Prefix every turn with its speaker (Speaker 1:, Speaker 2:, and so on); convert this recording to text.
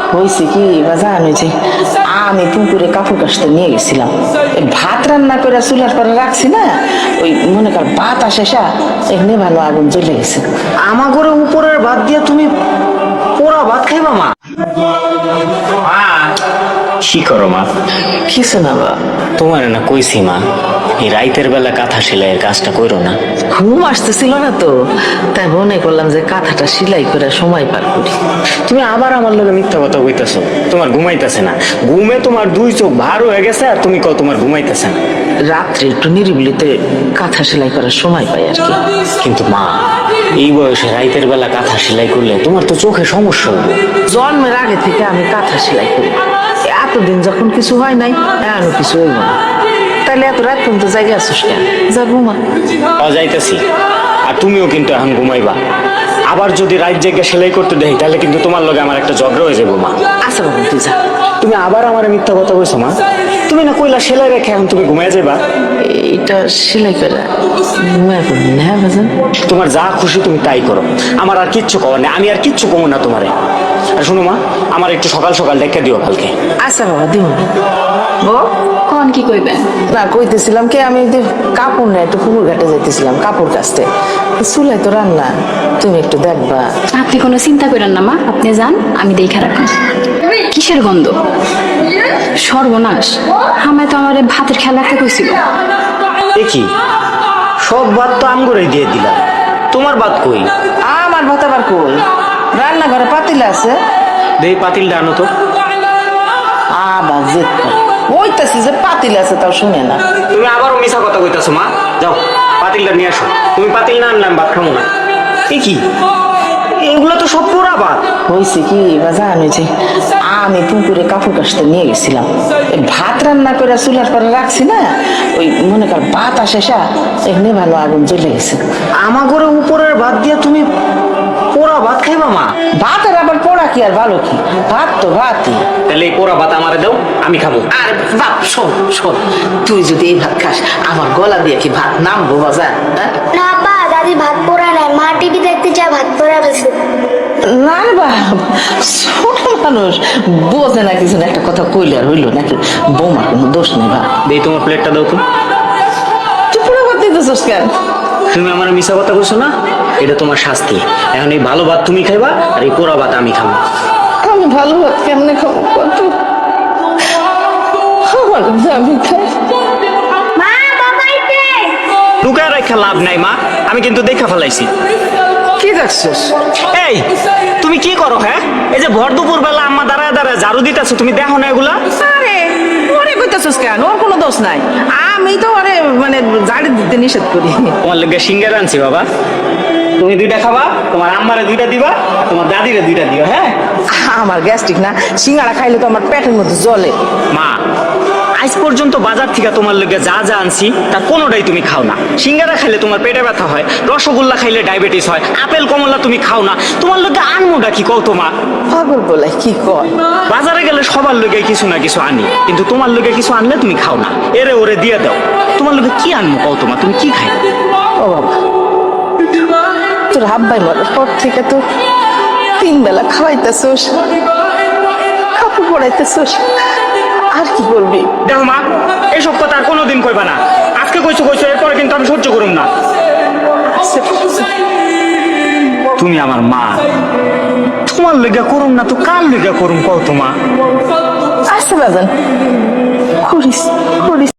Speaker 1: হয়েছে কি বাজান, হয়েছে আমি পুকুরে কাপড় কাচতে নিয়ে গেছিলাম, ভাত রান্না করে চুলার পরে রাখছি না, ওই মনে কর ভাত আসে এখানে ভালো আগুন জ্বলে গেছে।
Speaker 2: আমার ঘরে উপরের ভাত দিয়ে তুমি পোড়া ভাত খাইবা মা?
Speaker 3: কি করো মা?
Speaker 1: কিছু না বা,
Speaker 3: তোমার না কইছি মা, এই রাইতের বেলা কাঁথা সেলাইয়ের কাজটা করো না।
Speaker 1: ঘুম আসতেছিল না তো, তাই মনে করলাম যে কাঁথাটা সেলাই করে সময় পার করি।
Speaker 3: তুমি আবার আমার লগে মিথ্যা কথা কইতাছো। তোমার ঘুমাইতেছে না, ঘুমে তোমার দুই চোখ ভার হয়ে গেছে আর তুমি কও তোমার ঘুমাইতেছে না।
Speaker 1: রাত্রে একটু নিরিবিলিতে কাঁথা সেলাই করার সময় পাই আর কি।
Speaker 3: কিন্তু মা, এই বয়সে রাইতের বেলা কাঁথা সেলাই করলে তোমার তো চোখে সমস্যা হবে।
Speaker 1: জন্মের আগে থেকে আমি কাঁথা সেলাই করি, এতদিন যখন কিছু হয় নাই এখনো কিছু হইব না। তাইলে এত রাত পর্যন্ত জায়গা আসিস কেন? যা ঘুমা।
Speaker 3: যাইতেছি, আর তুমিও কিন্তু এখন ঘুমাইবা। আবার যদি রাত জেগে সেলাই করতে দেই তাহলে কিন্তু তোমার লগে আমার একটা ঝগড়া হয়ে যাবো মা।
Speaker 1: আচ্ছা বাবু তুই যা।
Speaker 3: তুমি আবার আমার মিথ্যা কথা কইছো মা। তুমি না কইলা সেলাই রেখে এখন তুমি ঘুমাই যাবা।
Speaker 1: এটা সেলাই করে ঘুমায় পড়বি না, হ্যাঁ বাজান?
Speaker 3: তোমার যা খুশি তুমি তাই করো, আমার আর কিচ্ছু করার নেই। আমি আর কিচ্ছু কমো না তোমারে। আর শোনো মা, আমার একটু সকাল সকাল ডেকে দিও কালকে।
Speaker 1: আচ্ছা বাবা দিব। বউ
Speaker 4: কন কি কইবেন?
Speaker 1: না কইতেছিলাম কি, আমি কাপড় না একটু পুকুর ঘাটে যাইতেছিলাম কাপড় কাচতে, চুলাই তো রান্না, তুমি একটু দেখবা।
Speaker 4: আপনি কোনো চিন্তা করেন না মা, আপনি যান, আমি দেখা রাখুন। কিসের গন্ধ? সর্বনাশ, আমায় তো আমার ভাতের খেয়াল রাখতে কইছিল।
Speaker 3: দেখি সব ভাত তো আমগরেই দিয়ে দিলাম, তোমার ভাত কই?
Speaker 1: আমার ভাত আবার কই? রান্নাঘরে পাতিল আছে।
Speaker 3: দেই পাতিলটা আনো তো।
Speaker 1: আবার জেদ করে বইতেছি যে পাতিল আছে, তাও শুনে না।
Speaker 3: তুমি আবারও মিছা কথা কইতাছো মা। যাও পাতিলটা নিয়ে আসো। তুমি পাতিল না আনলাম ভাত খাবো না। এ কি, এগুলো তো সব পোড়া ভাত।
Speaker 1: হয়েছে কি বাজান, হয়েছে আমি পুকুরে কাপড় কাচতে নিয়ে গেছিলাম, ভাত রান্না করে চুলার পরে রাখছি না, ওই মনে কর ভাত আসে এখানে ভালো আগুন জ্বলে গেছে।
Speaker 2: আমার ঘরে উপরের ভাত দিয়ে তুমি পোড়া ভাত খাইবা মা?
Speaker 1: ভাতের আবার পোড়া কি আর ভালো কি, ভাত তো ভাতই।
Speaker 3: তাহলে এই পোড়া ভাত আমারে দাও, আমি খাবো।
Speaker 1: আর বাপ শোন শোন, তুই যদি এই ভাত খাস আমার গলা দিয়ে কি ভাত নামবো বাজার? হ্যাঁ
Speaker 5: না পা, দাদি ভাত পোড়া নাই, মা টিভি দেখতে চায়, ভাত পোড়া গেছে।
Speaker 1: না রে বাপ, ছোট মানুষ বোঝে না কিছু না, একটা কথা কইলে আর হইলো নাকি? বৌমার কোনো দোষ নেই বাপ।
Speaker 3: দেই তোমার প্লেটটা দাও তো।
Speaker 1: তুই পুরো ভাত দিতেছিস কেন?
Speaker 3: তুমি আমার মিছা কথা কইছো না, এটা তোমার শাস্তি। এখন এই ভালো ভাত তুমি খাইবা আর এই পোড়া ভাত আমি খাবো।
Speaker 1: আমি ভালো ভাত কেমনে খাবো কত? আমার আমি খাই।
Speaker 5: মা বাবাইতে
Speaker 3: লুকায় রেখা লাভ নাই মা, আমি কিন্তু দেখা ফেলাইছি।
Speaker 1: কি দেখছিস?
Speaker 3: এই তুমি কি করো? হ্যাঁ, এই যে ভর দুপুর বেলা আম্মা দাঁড়ায় দাঁড়ায় ঝাড়ু দিতেছো, তুমি দেখো না এগুলা?
Speaker 1: আরে ওরে কইতাছিস কেন? ওর কোনো দোষ নাই, আমি তো ওরে মানে ঝাড়ি দিতে নিষেধ করি।
Speaker 3: তোমার লেগে সিঙ্গার আনছি বাবা, তুমি দুইটা খাবা, তোমার আম্মারে দুইটা দিবা, আর তোমার দাদিরে দুইটা দিও। হ্যাঁ,
Speaker 1: আমার গ্যাস্ট্রিক না, সিঙ্গাড়া খাইলে তো আমার পেটের মধ্যে জ্বলে।
Speaker 3: মা আজ পর্যন্ত বাজার থেকে তোমার লেগে যা যা আনছি তার কোনোটাই তুমি খাও না। সিঙ্গারা খাইলে তোমার পেটে ব্যথা হয়, রসগোল্লা খাইলে ডায়াবেটিস হয়, আপেল কমলা তুমি খাও না। তোমার লেগে আনমোটা কি কও তো মা?
Speaker 1: পাগল বলে কি কয়?
Speaker 3: বাজারে গেলে সবার লেগে কিছু না কিছু আনি, কিন্তু তোমার লেগে কিছু আনলে তুমি খাও না, এরে ওরে দিয়ে দাও। তোমার লেগে কি আনবো কও তোমা? তুমি কি খাই?
Speaker 1: ও বাবা, তোর আব্বাই মরার পর থেকে তো 3 বেলা খাওয়াইতেছোস, কাপড় পরাইতেছোস, আর কি করবি?
Speaker 3: দেখো মা, এইসব কথা আর কোনোদিন কইবা না। আজকে কইছো কইছো, এরপরে কিন্তু আমি সহ্য করুম না। তুমি আমার মা, তোমার লেগে করুম না তো কার লেগে করুম কও তোমা?
Speaker 1: আচ্ছা বাজান, করিস করিস।